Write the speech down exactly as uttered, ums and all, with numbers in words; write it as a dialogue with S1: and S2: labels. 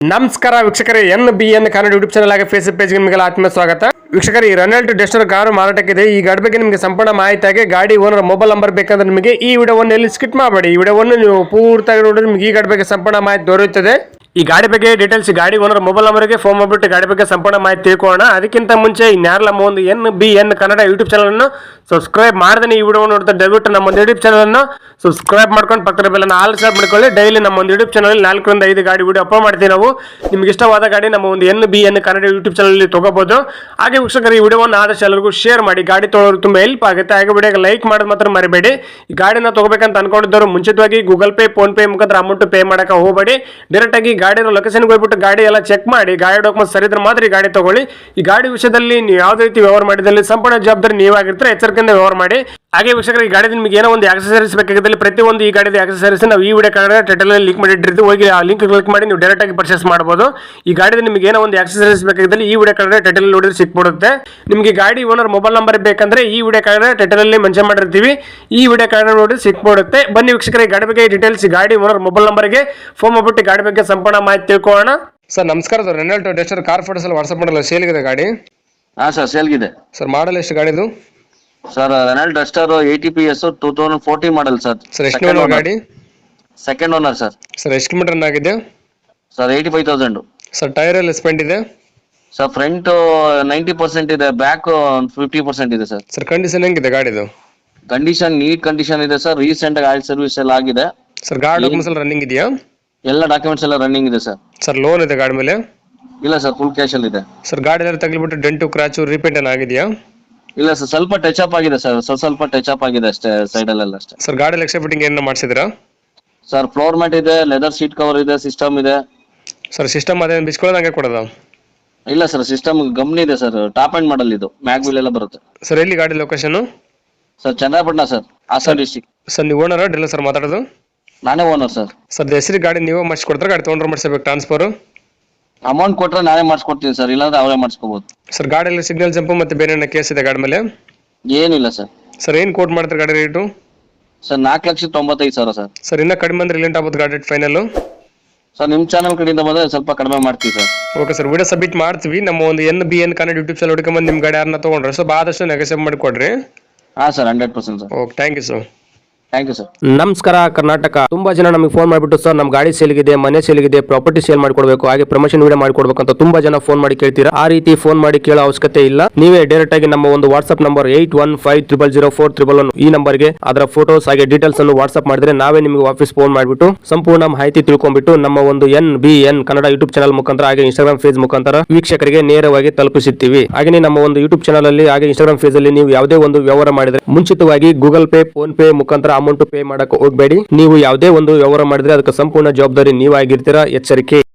S1: ನಮಸ್ಕಾರ ವೀಕ್ಷಕರೇ, N B N Kannada YouTube channel ಆಗಿ ಫೇಸ್ಬುಕ್ ಪೇಜ್ಗೆ ನಿಮಗೆ ಆತ್ಮೀಯ ಸ್ವಾಗತ. ವೀಕ್ಷಕರೇ, ಈ ರೆನಾಲ್ಟ್ ಡಸ್ಟರ್ ಕಾರು ಮಾರಾಟಕ್ಕಿದೆ. ಈ ಗಾಡಿ ಬಗ್ಗೆ ನಿಮಗೆ ಸಂಪೂರ್ಣ ಮಾಹಿತಿಯಾಗಿ ಗಾಡಿ ಓನರ್ ಮೊಬೈಲ್ ನಂಬರ್ ಬೇಕಂದ್ರೆ ನಿಮಗೆ ಈ ವಿಡಿಯೋವನ್ನು ಎಲ್ಲಿ ಸ್ಕಿಪ್ ಮಾಡಬೇಡಿ. ಈ ವಿಡಿಯೋವನ್ನು ನೀವು ಪೂರ್ತಿಯಾಗಿ ನೋಡಿದ್ರೆ ನಿಮಗೆ ಈ ಗಾಡಿ ಬಗ್ಗೆ ಸಂಪೂರ್ಣ ಮಾಹಿತಿ ದೊರೆಯುತ್ತದೆ. ಈ ಗಾಡಿ ಬಗ್ಗೆ ಡೀಟೇಲ್ಸ್ ಗಾಡಿ ಓನರ್ ಮೊಬೈಲ್ ನಂಬರ್ಗೆ ಫೋನ್ ಮಾಡಿಬಿಟ್ಟು ಗಾಡಿ ಬಗ್ಗೆ ಸಂಪೂರ್ಣ ಮಾಹಿತಿ ತಿಳ್ಕೊಳ್ಳೋಣ. ಅದಕ್ಕಿಂತ ಮುಂಚೆ ಇನ್ಯಾರಲ್ಲ ನಮ್ಮ ಒಂದು N B N Kannada YouTube channel ಅನ್ನು ಸಬ್ಸ್ಕ್ರೈಬ್ ಮಾಡದೇ ಈ ವಿಡಿಯೋ ನೋಡ್ತಾ ದಯವಿಟ್ಟು ನಮ್ಮ ಒಂದು ಯೂಟ್ಯೂಬ್ ಚಾನಲ್ ಅನ್ನು ಸಬ್ಸ್ಕ್ರೈಬ್ ಮಾಡ್ಕೊಂಡು ಪಕ್ಕದ ಬೆಲ್ಲನ್ನು ಆಲ್ ಸಬ್ ಮಾಡ್ಕೊಳ್ಳಿ. ಡೈಲಿ ನಮ್ಮ ಒಂದು ಯೂಟ್ಯೂಬ್ ಚಾನಲ್ ನಾಲ್ಕರಿಂದ ಐದು ಗಾಡಿ ವಿಡಿಯೋ ಅಪ್ಲೋಡ್ ಮಾಡ್ತೀವಿ ನಾವು. ನಿಮ್ಗೆ ಇಷ್ಟವಾದ ಗಾಡಿ ನಮ್ಮ ಒಂದು N B N Kannada YouTube channel ತಗೋಬಹುದು. ಹಾಗೆ ವೀಕ್ಷಕರು, ಈ ವಿಡಿಯೋವನ್ನು ಆದಷ್ಟು ಎಲ್ಲರಿಗೂ ಶೇರ್ ಮಾಡಿ. ಗಾಡಿ ತೊಗೊಳ್ಳೋರು ತುಂಬಾ ಹೆಲ್ಪ್ ಆಗುತ್ತೆ. ಹಾಗೆ ವಿಡಿಯೋಗೆ ಲೈಕ್ ಮಾಡೋದು ಮಾತ್ರ ಮರಿಬೇಡಿ. ಈ ಗಾಡಿನ ತಗೋಬೇಕಂತ ಅನ್ಕೊಂಡಿದ್ದವರು ಮುಂಚಿತವಾಗಿ ಗೂಗಲ್ ಪೇ, ಫೋನ್ ಪೇ ಮುಖಾಂತರ ಅಮೌಂಟ್ ಪೇ ಮಾಡಕ್ಕೆ ಹೋಗಬೇಡಿ. ಡೈರೆಕ್ಟ್ ಆಗಿ ಗಾಡಿ ಲೊಕೇಶನ್ ಹೋಗ್ಬಿಟ್ಟು ಗಾಡಿ ಎಲ್ಲ ಚೆಕ್ ಮಾಡಿ, ಗಾಡಿ ಡಾಕ್ಯುಮೆಂಟ್ ಸರಿ ಇದ್ರೆ ಮಾತ್ರ ಈ ಗಾಡಿ ತಗೊಳ್ಳಿ. ಈ ಗಾಡಿ ವಿಷಯದಲ್ಲಿ ನೀವು ಯಾವುದೇ ರೀತಿ ವ್ಯವಹಾರ ಮಾಡಿದಲ್ಲಿ ಸಂಪೂರ್ಣ ಜವಾಬ್ದಾರಿ ನೀವಾಗಿರ್ತಾರೆ. ಎಚ್ಚರಿಕೆಯಿಂದ ವ್ಯವಹಾರ ಮಾಡಿ. ಹಾಗೆ ವೀಕ್ಷಕರು, ಈ ಗಾಡಿ ನಿಮಗೆ ಏನೋ ಒಂದು ಆಕ್ಸೆಸರೀಸ್ ಬೇಕಾಗಿದ್ದಲ್ಲಿ ಪ್ರತಿಯೊಂದು ಈ ಗಾಡಿದ ಆಕ್ಸೆಸರೀಸ್ ನಾವು ಈ ವಿಡಿಯೋ ಕಾರ್ಡ್ ಟೈಟಲ್ ಲಿಂಕ್ ಮಾಡಿಟ್ಟಿರ್ತೀವಿ. ಹೋಗಿ ಆ ಲಿಂಕ್ ಕ್ಲಿಕ್ ಮಾಡಿ ನೀವು ಡೈರೆಕ್ಟ್ ಆಗಿ ಪರ್ಚೇಸ್ ಮಾಡಬಹುದು. ಈ ಗಾಡಿದ ನಿಮಗೆ ಏನೋ ಒಂದು ಆಕ್ಸೆಸರೀಸ್ ಬೇಕಾಗಿದ್ದಲ್ಲಿ ಈ ವಿಡಿಯೋ ಕಾರ್ಡ್ ಟೈಟಲ್ ನೋಡಿದ್ರೆ ಸಿಕ್ಬಿಡುತ್ತೆ. ನಿಮಗೆ ಗಾಡಿ ಓನರ್ ಮೊಬೈಲ್ ನಂಬರ್ ಬೇಕಂದ್ರೆ ಈ ವಿಡಿಯೋ ಕಾರ್ಡ್ ಟೈಟಲ್ ಅಲ್ಲಿ ಮೆನ್ಷನ್ ಮಾಡಿರ್ತೀವಿ. ಈ ವಿಡಿಯೋ ಕಾರ್ಡ್ ನೋಡಿ ಸಿಕ್ಬಿಡುತ್ತೆ. ಬನ್ನಿ ವೀಕ್ಷಕರ, ಈ ಗಾಡಿ ಬಗ್ಗೆ ಡೀಟೇಲ್ಸ್ ಗಾಡಿ ಓನರ್ ಮೊಬೈಲ್ ನಂಬರ್ಗೆ ಫೋನ್ ಮಾಡ್ಬಿಟ್ಟು ಗಾಡಿ ಬಗ್ಗೆ ಸಂಪೂರ್ಣ ಮಾಹಿತಿ ತಿಳ್ಕೊಳ್ಳೋಣ. ಸರ್ ನಮಸ್ಕಾರ. Sir Renault Duster car photos ಅಲ್ಲಿ ವಾಟ್ಸ್ಆಪ್ ಮಾಡಲ್ಲ ಸೇಲ್ಗಿದೆ ಗಾಡಿ?
S2: ಹಾ ಸರ್, ಸೇಲ್ಗಿದೆ.
S1: ಸರ್ ಮಾಡಲ್ ಎಷ್ಟು ಗಾಡಿದು?
S2: Sir Renault Duster eighty P S two thousand fourteen model sir.
S1: Sir ಎಷ್ಟು ಓನರ್ ಗಾಡಿ?
S2: Second owner sir.
S1: ಸರ್ ಎಷ್ಟು ಕಿಲೋಮೀಟರ್ ರನ್ ಆಗಿದೆ?
S2: Sir eighty five thousand.
S1: Sir tyre ಎಲ್ಲ ಸ್ಪೆಂಡ್ ಇದೆ?
S2: ಸರ್ ಫ್ರಂಟ್ ನೈಂಟಿ ಪರ್ಸೆಂಟ್ ಇದೆ, ಬ್ಯಾಕ್ ಫಿಫ್ಟಿ ಪರ್ಸೆಂಟ್ ಇದೆ sir.
S1: Sir condition ಹೆಂಗಿದೆ ಗಾಡಿದು?
S2: ಕಂಡೀಷನ್ ನೀಟ್ ಕಂಡೀಷನ್ ಇದೆ ಸರ್. ರೀಸೆಂಟ್ ಆಗಿ ಆಯಿಲ್ ಸರ್ವಿಸ್ ಎಲ್ಲ ಆಗಿದೆ.
S1: ಸರ್ ಗಾಡಿ ಡಾಕ್ಯುಮೆಂಟ್ಸ್ ಎಲ್ಲ ರನ್ನಿಂಗ್ ಇದೆಯಾ?
S2: ಎಲ್ಲ ಡಾಕ್ಯುಮೆಂಟ್ಸ್ ಎಲ್ಲ ರನ್ನಿಂಗ್ ಇದೆ ಸರ್.
S1: ಸರ್ ಲೋನ್ ಇದೆ ಗಾಡಿ ಮೇಲೆ?
S2: ಇಲ್ಲ ಸರ್, ಫುಲ್ ಕ್ಯಾಶ್ ಅಲ್ಲಿ ಇದೆ.
S1: ಸರ್ ಗಾಡಿ ಎಲ್ಲ ತಗ್ಲಿಬಿಟ್ಟು ಡೆಂಟು ಕ್ರಾಚು ರಿಪೇಂಟ್ ಏನ್ ಆಗಿದೆಯಾ?
S2: ಇಲ್ಲ ಸರ್, ಸ್ವಲ್ಪ ಟಚ್ ಅಪ್ ಆಗಿದೆ ಸರ್. ಸ್ವಲ್ಪ ಸ್ವಲ್ಪ ಟಚ್ ಅಪ್ ಆಗಿದೆ ಅಷ್ಟೇ, ಸೈಡ್ ಅಲ್ಲೆಲ್ಲ ಅಷ್ಟೇ.
S1: ಸರ್ ಗಾಡಿ ಎಕ್ಸ್ಟ್ರಾ ಫಿಟ್ಟಿಂಗ್ ಏನ ಮಾಡಿಸಿದ್ರಾ?
S2: ಸರ್ ಫ್ಲೋರ್ ಮ್ಯಾಟ್ ಇದೆ, ಲೆದರ್ ಸೀಟ್ ಕವರ್ ಇದೆ, ಸಿಸ್ಟಮ್ ಇದೆ.
S1: ಸರ್ ಸಿಸ್ಟಮ್ ಅದೇ ಬಿಸ್ಕೊಳ್ಳೋದು ಹಂಗೆ ಕೊಡೋದಾ?
S2: ಇಲ್ಲ ಸರ್, ಸಿಸ್ಟಮ್ ಗಮ್ನಿ ಇದೆ ಸರ್. ಟಾಪ್ ಅಂಡ್ ಮಾಡಲ್ ಇದು, ಮ್ಯಾಗ್ ವೀಲ್ ಎಲ್ಲ ಬರುತ್ತೆ.
S1: ಸರ್ ಎಲ್ಲಿ ಗಾಡಿ location?
S2: Sir Channapatna sir, Hassan district.
S1: Sir ನೀವು ಓನರ್ ಡೀಲರ್ ಸರ್ ಮಾತಾಡೋದು?
S2: ನಾನೇ ಓನರ್ ಸರ್.
S1: ಸರ್ ಹೆಸರು ಗಾಡಿ ನೀವೇ ಮಾಡಿಸ್ಕೊಡ್ತಾರೆ, ಗಾಡಿ ತೊಗೊಂಡ್ರೆ ಮಾಡಿಸ್ಬೇಕು ಟ್ರಾನ್ಸ್ಫರ್?
S2: ಅಮೌಂಟ್ ಕೊಟ್ರೆ ನಾನೇ ಮಾಡಿಸ್ಕೊಡ್ತೀನಿ ಸರ್, ಇಲ್ಲಾಂದ್ರೆ ಅವರೇ ಮಾಡಿಸ್ಕೋಬಹುದು.
S1: ಸರ್ ಗಾಡಿಯಲ್ಲಿ ಸಿಗ್ನಲ್ ಜಂಪ್ ಮತ್ತೆ ಬೇರೆ ಏನೋ ಕೇಸ್ ಇದೆ ಗಾಡಿ ಮೇಲೆ?
S2: ಏನಿಲ್ಲ ಸರ್.
S1: ಸರ್ ಏನು ಕೋಟ್ ಮಾಡ್ತಾರೆ ಗಾಡಿ ರೇಟು?
S2: ಸರ್ ನಾಲ್ಕು ಲಕ್ಷದ ತೊಂಬತ್ತೈದು ಸಾವಿರ ಸರ್.
S1: ಸರ್ ಇನ್ನೂ ಕಡಿಮೆ ಅಂದ್ರೆ ರಿಲೆಂಟ್ ಆಗುತ್ತೆ ಗಾಡಿ ಫೈನಲ್?
S2: ಸರ್ ನಿಮ್ಮ ಚಾನಲ್ ಕಡೆಯಿಂದ ಬಂದ್ರೆ ಸ್ವಲ್ಪ ಕಡಿಮೆ ಮಾಡ್ತೀವಿ sir.
S1: Okay sir, video submit ಮಾಡ್ತೀವಿ. ನಮ್ಮ ಒಂದು N B N Kannada YouTube channel ಹುಡುಕೊಂಬಂದು ನಿಮ್ಮ ಗಾಡಿ ಯಾರನ್ನ ತೊಗೊಂಡ್ರೆ ಸ್ವಲ್ಪ ಆದಷ್ಟು ನೆಗೋಸಿಯೇಟ್ ಮಾಡಿಕೊಡ್ರಿ.
S2: ಹಾ sir, hundred percent sir.
S1: Okay, thank you sir.
S2: Thank you sir.
S3: ನಮಸ್ಕಾರ ಕರ್ನಾಟಕ. ತುಂಬಾ ಜನ ನಮಗೆ ಫೋನ್ ಮಾಡಿಬಿಟ್ಟು ಸರ್ ನಮ್ಮ ಗಾಡಿ ಸೇಲ್ಗಿದೆ, ಮನೆ ಸೇಲ್ಗಿದೆ, ಪ್ರಾಪರ್ಟಿ ಸೇಲ್ ಮಾಡ್ಕೊಡ್ಬೇಕು, ಹಾಗೆ ಪ್ರಮೋಷನ್ ವಿಡಿಯೋ ಮಾಡ್ಕೊಡ್ಬೇಕು ಅಂತ ತುಂಬಾ ಜನ ಫೋನ್ ಮಾಡಿ ಕೇಳ್ತೀರಾ. ಆ ರೀತಿ ಫೋನ್ ಮಾಡಿ ಕೇಳೋ ಅವಶ್ಯಕತೆ ಇಲ್ಲ. ನೀವೇ ಡೈರೆಕ್ಟ್ ಆಗಿ ನಮ್ಮ ಒಂದು WhatsApp number eight one five triple zero four triple one ಈ ನಂಬರ್ಗೆ ಅದರ ಫೋಟೋಸ್ ಹಾಗೆ ಡೀಟೇಲ್ಸ್ ಅನ್ನು ವಾಟ್ಸ್ಆಪ್ ಮಾಡಿದ್ರೆ ನಾವೇ ನಿಮಗೆ ವಾಪಸ್ ಫೋನ್ ಮಾಡಿಬಿಟ್ಟು ಸಂಪೂರ್ಣ ಮಾಹಿತಿ ತಿಳ್ಕೊಂಡ್ಬಿಟ್ಟು ನಮ್ಮ ಒಂದು N B N Kannada YouTube channel ಮುಖಾಂತರ ಹಾಗೆ ಇನ್ಸ್ಟಾಗ್ರಾಮ್ ಪೇಜ್ ಮುಖಾಂತರ ವೀಕ್ಷಕರಿಗೆ ನೇರವಾಗಿ ತಲುಪಿಸುತ್ತೀವಿ. ಹಾಗೆ ನಮ್ಮ ಒಂದು ಯೂಟ್ಯೂಬ್ ಚಾನಲ್ ಅಲ್ಲಿ ಹಾಗೆ ಇನ್ಸ್ಟಾಗ್ರಾಮ್ ಪೇಜ್ ಅಲ್ಲಿ ನೀವು ಯಾವುದೇ ಒಂದು ವ್ಯವಹಾರ ಮಾಡಿದ್ರೆ ಮುಂಚಿತವಾಗಿ ಗೂಗಲ್ ಪೇ, ಫೋನ್ ಪೇ ಮುಖಾಂತರ ಅಮೌಂಟ್ ಪೇ ಮಾಡಕ್ಕೆ ಹೋಗಬೇಡಿ. ನೀವು ಯಾವುದೇ ಒಂದು ವ್ಯವಹಾರ ಮಾಡಿದ್ರೆ ಅದಕ್ಕೆ ಸಂಪೂರ್ಣ ಜವಾಬ್ದಾರಿ ನೀವಾಗಿರ್ತೀರಾ. ಎಚ್ಚರಿಕೆ.